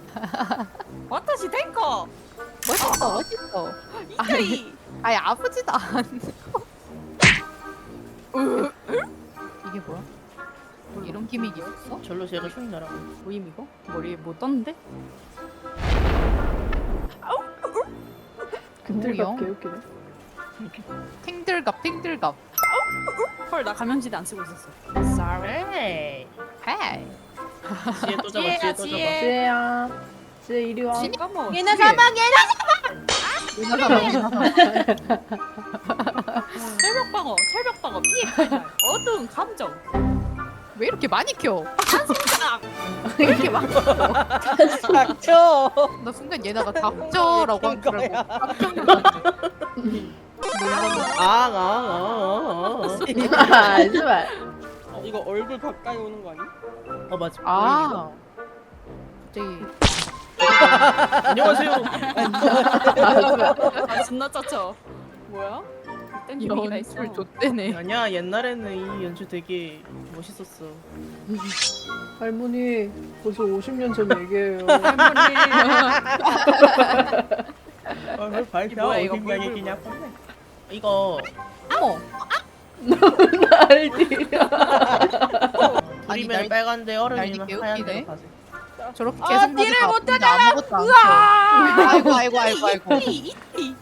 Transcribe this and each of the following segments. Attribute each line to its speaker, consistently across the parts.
Speaker 1: 와타시 탱커.
Speaker 2: 멋있어 멋있어.
Speaker 1: 이태리.
Speaker 2: 아니 아프지도 않아. 이게 뭐야? 이런 기믹이 없어?
Speaker 3: 절로 제가 흉 나라고.
Speaker 1: 뭐임 이거? 머리에 뭐 떴는데?
Speaker 4: 근들갑 개웃기네.
Speaker 2: 탱들갑 탱들갑.
Speaker 1: 헐, 나 감염지대 안 쓰고 있었어. Sorry.
Speaker 3: 에이.
Speaker 2: 헤이.
Speaker 3: 지혜 또 잡아. 지혜 또 잡아.
Speaker 4: 지혜야. 지혜 이리 와.
Speaker 1: 까먹어.
Speaker 2: 얘네 사망
Speaker 1: 철벽방어, 철벽방어, 피해 칼날, 어두운 감정.
Speaker 2: 왜 이렇게 많이 켜?
Speaker 1: 왜 이렇게 막?
Speaker 5: 닥쳐.
Speaker 2: 나 순간 얘네가 닥쳐라고 한 줄 알고 깜짝 놀랐네.
Speaker 4: 아, 제발.
Speaker 5: 이거 얼굴 가까이 오는 거 아니?
Speaker 3: 어 맞아.
Speaker 2: 아 갑자기
Speaker 3: 안녕하세요.
Speaker 1: 아, 존나 짜쳐. 뭐야? 이딴 기믹이 다 있어.
Speaker 2: 연출 좆대네.
Speaker 3: 아니야 옛날에는 이 연출 되게 멋있었어.
Speaker 4: 할머니, 벌써 50년 전 얘기예요.
Speaker 3: 얼굴 밝혀.
Speaker 1: 뭐야, 이거
Speaker 3: 어딘
Speaker 1: 물,
Speaker 3: 얘기냐? 이거
Speaker 2: 어머
Speaker 4: 날디야.
Speaker 2: 아니,
Speaker 3: 불이면 빨간데 얼음이면
Speaker 2: 날개
Speaker 3: 하얀
Speaker 2: 웃기네.
Speaker 3: 데로 가지.
Speaker 2: 저렇게
Speaker 1: 아,
Speaker 2: 계속
Speaker 1: 딜을
Speaker 2: 가도
Speaker 1: 못하잖아.
Speaker 2: 아무것도 안 켜. 아이고 아이고 아이고 아이고.
Speaker 1: 이티.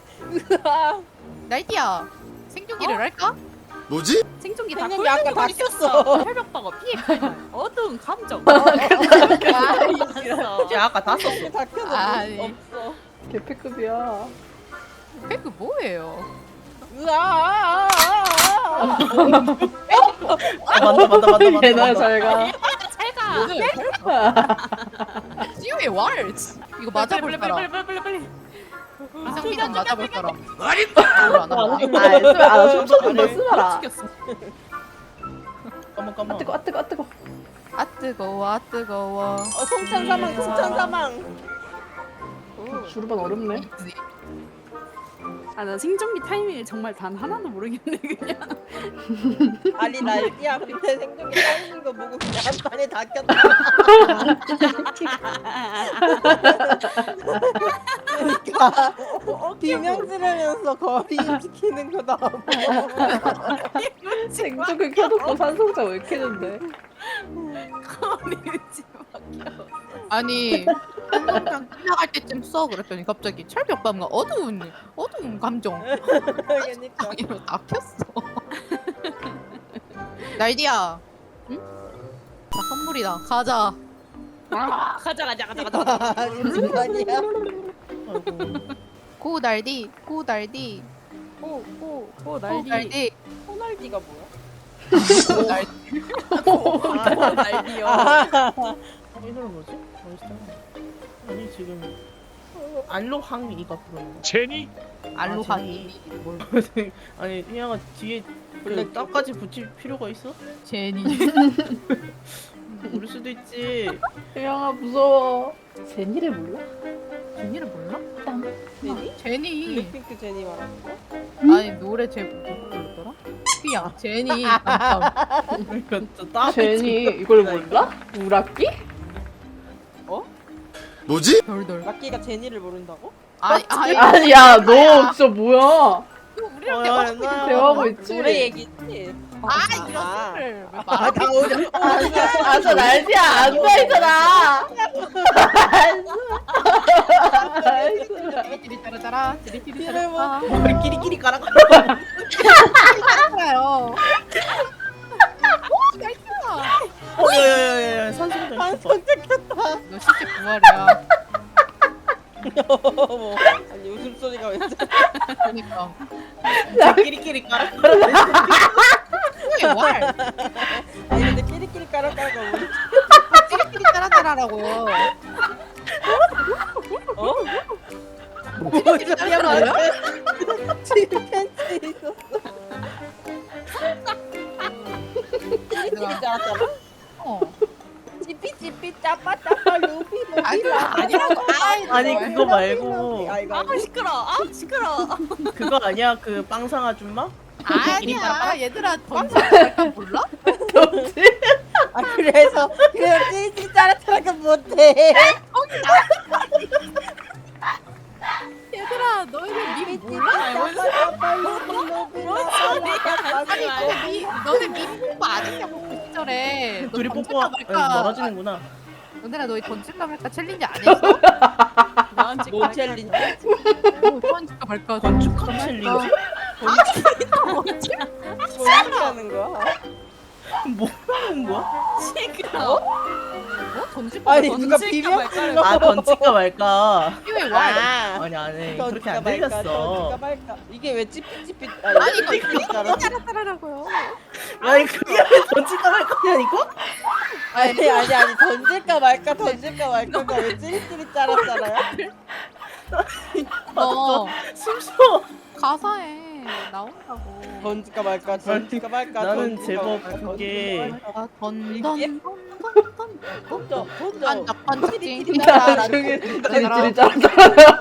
Speaker 2: 날디야 생존기를 할까?
Speaker 6: 뭐지?
Speaker 1: 생존기 다
Speaker 5: 생존기 아까 다
Speaker 1: 켰어. 철벽방어, 피해 칼날, 어두운 감정.
Speaker 3: 이제 아까 다 썼어.
Speaker 5: 이렇게 다 켜도
Speaker 2: 아니.
Speaker 5: 없어.
Speaker 4: 개패급이야.
Speaker 2: 팩그 뭐예요?
Speaker 5: 으아.
Speaker 3: 맞다.
Speaker 4: 얘나 잘 가.
Speaker 1: 잘 가.
Speaker 2: 지우의 왈 이거 맞아볼 사람
Speaker 1: 빨리.
Speaker 2: 이상기전 맞아볼 사람
Speaker 6: 아니
Speaker 2: 안 하나?
Speaker 4: 아, 쓰면 아, 춤추는 거 쓰라.
Speaker 1: 죽였어.
Speaker 3: 까먹.
Speaker 4: 아, 뜨거, 아, 뜨거, 아, 뜨거.
Speaker 2: 아 뜨거워 아 뜨거워
Speaker 5: 송천 사망, 송천 사망.
Speaker 4: 주르반 어렵네.
Speaker 1: 아, 나 생존기 타이밍을 정말 단 하나도 모르겠네 그냥.
Speaker 5: 아니 날디야 밑에 생존기 쌓이는 거 보고 그냥 한 판에 다 켰다. 그러니까 비명 지르면서 거리 지키는 거다.
Speaker 4: 생존기 켜놓고 산성자 왜 켜는데?
Speaker 1: 거리지 막혀.
Speaker 2: 아니 한동장 끝나갈 때쯤 써 그랬더니 갑자기 철벽밤과 어두운 감정
Speaker 5: 그러니까
Speaker 2: 이거 다 켰어 날디야 응? 자 선물이다 가자
Speaker 1: 가자.
Speaker 5: 무슨 아니야?
Speaker 2: 고 날디 고 날디
Speaker 1: 오
Speaker 2: 고
Speaker 1: 날디.
Speaker 2: 날디
Speaker 5: 호날디가 뭐야?
Speaker 2: 고 날디
Speaker 1: 날디요.
Speaker 3: 이 노래 뭐지? 멋있다. 아니 지금 알로항이가 부르는 거.
Speaker 6: 제니?
Speaker 2: 알로하기
Speaker 3: 아니 희양아 뒤에 그 딱까지 붙일 필요가 있어?
Speaker 2: 제니
Speaker 3: 모를 수도 있지.
Speaker 4: 혜영아, 무서워. 제니를 몰라?
Speaker 2: 제니를 몰라?
Speaker 5: 제니?
Speaker 2: 제니
Speaker 5: 블랙핑크 제니 말하는 거?
Speaker 2: 아니 노래 제목 뭐였더라? 삐야 제니 깜깜
Speaker 3: 그러니까 딱
Speaker 4: 제니, 이걸 몰라? 우라끼?
Speaker 6: 뭐지?
Speaker 2: 돌돌
Speaker 5: 락기가 제니를 모른다고?
Speaker 2: 아니
Speaker 4: 아니야, 너 진짜 뭐야?
Speaker 2: 우리랑 대화
Speaker 4: 대화하고 있지?
Speaker 5: 노래 얘기지.
Speaker 2: 이런 소리를 왜
Speaker 5: 아,
Speaker 2: 말하고
Speaker 5: 나 오늘
Speaker 4: 아, 저 날씨야, 앉아있잖아.
Speaker 2: 찌리찌리 따라따라 찌리찌리
Speaker 5: 이를
Speaker 2: 따라따라
Speaker 3: 머리 끼리끼리 깔아.
Speaker 2: 따라요
Speaker 3: 야야야야 산소도
Speaker 5: 반성 찍혔다.
Speaker 2: 너 진짜 부활이야
Speaker 5: 어머. 아니 웃음소리가 왜 저래?
Speaker 2: 그러니까
Speaker 3: 끼리끼리 깔아.
Speaker 2: 그게 왈
Speaker 5: 아니 근데 끼리끼리 까락까락가 뭐
Speaker 2: 찌리찌리 따라따라라고
Speaker 5: 어?
Speaker 2: 찌리찌리 따라따라요?
Speaker 5: 지금 팬츠에 있었어. 끼리끼리 짜랐잖아?
Speaker 2: 어
Speaker 5: 찌삐찌삐 짜빠짜빠 루비
Speaker 2: 아니라고
Speaker 3: 아니 그거 말고
Speaker 5: 아이고
Speaker 1: 시끄러.
Speaker 3: 그거 아니야 그 빵상 아줌마?
Speaker 2: 아니야 얘들아 던져 몰라?
Speaker 5: 아 그래서 그냥 찌찌 짜라짜라가 못해.
Speaker 2: 거기 얘들아 너희들 밈 몰라? 아니 너네 밈 공부 안 했냐고 그 시절에. 너
Speaker 3: 둘이
Speaker 2: 던질까
Speaker 3: 뽀뽀
Speaker 2: 말까.
Speaker 3: 멀어지는구나.
Speaker 2: 너네라 너희 던질까 말까 챌린지 안 했어?
Speaker 1: 나한테
Speaker 5: 뭐 챌린지?
Speaker 2: 던질까 말까.
Speaker 3: 건축학 챌린지?
Speaker 5: 뭐 하는 거야?
Speaker 3: 뭐 하는 거야?
Speaker 1: 시끄러.
Speaker 2: 던질까
Speaker 5: 아니
Speaker 2: 말까.
Speaker 5: 누가
Speaker 1: 던질까
Speaker 5: 비벼
Speaker 1: 말까를
Speaker 5: 불러?
Speaker 3: 아 던질까 말까.
Speaker 2: 왜 와?
Speaker 5: 아,
Speaker 3: 아니 아니
Speaker 5: 던질까
Speaker 3: 그렇게 안
Speaker 5: 말까,
Speaker 3: 들렸어.
Speaker 5: 던질까 말까. 이게 왜 찌삐찌삐?
Speaker 2: 아니 이거
Speaker 5: 찌삐찌삐
Speaker 2: 따라따라라고요.
Speaker 3: 아니 그게 왜 던질까 말까냐니까?
Speaker 5: 아니 던질까 말까가 왜 찌릿찌릿 짜랐잖아요?
Speaker 2: 너
Speaker 3: 숨쉬어.
Speaker 2: 가사에 나온다고.
Speaker 5: 던질까 말까
Speaker 3: 나는
Speaker 5: 던질까
Speaker 3: 제법
Speaker 5: 말까,
Speaker 3: 그게
Speaker 2: 던던
Speaker 5: 이게?
Speaker 2: 던던
Speaker 5: 던져
Speaker 2: 던져
Speaker 5: 찌릿찌릿
Speaker 2: 던져
Speaker 5: 짜라.
Speaker 4: 찌릿찌릿 짜라.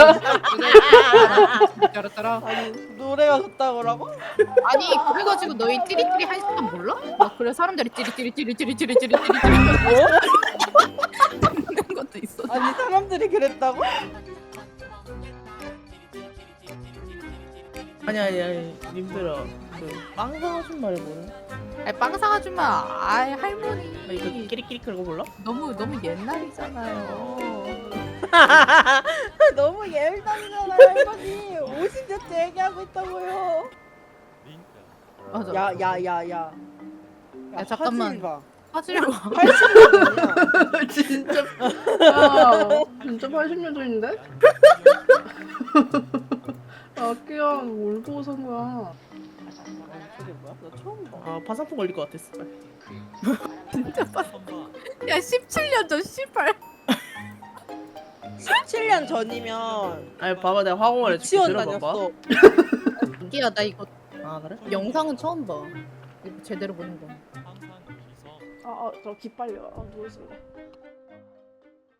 Speaker 2: 따라따라.
Speaker 5: 아니 노래가 좋다고라고?
Speaker 2: 아니 그래가지고 너희 찌릿찌릿 한 시간 몰라? 막 그래 사람들이 찌릿찌릿 듣는 것도 있어.
Speaker 5: 아니 사람들이 그랬다고?
Speaker 3: 아니 님들아 그빵 사준 말해 뭐야?
Speaker 2: 아니 빵상 아줌마 아이
Speaker 3: 아니 그
Speaker 2: 할머니
Speaker 3: 끼리끼리 그런 거 몰라?
Speaker 2: 너무 옛날이잖아요.
Speaker 5: 너무 예울당이잖아 할머니 50년째 얘기하고 있다고요.
Speaker 2: 맞아.
Speaker 5: 야야야야
Speaker 2: 야, 잠깐만. 화질 봐.
Speaker 5: 80년이야.
Speaker 4: 진짜. 야, 진짜 80년도인데? 야, 끼야, 뭘 보고 산 거야?
Speaker 5: 저게 뭐야? 나 처음 봐.
Speaker 3: 아 파상풍 걸릴 것 같았어.
Speaker 2: 야 17년 전 씨발.
Speaker 5: 17년 전이면
Speaker 3: 아니 봐봐 내가 화공을 해줄게.
Speaker 5: 유치원
Speaker 3: 들어봐봐.
Speaker 5: 다녔어.
Speaker 2: 야 나 이거
Speaker 3: 아 그래?
Speaker 2: 영상은 처음 봐. 이거 제대로 보는 거.
Speaker 4: 저 기빨려. 누워 있을래.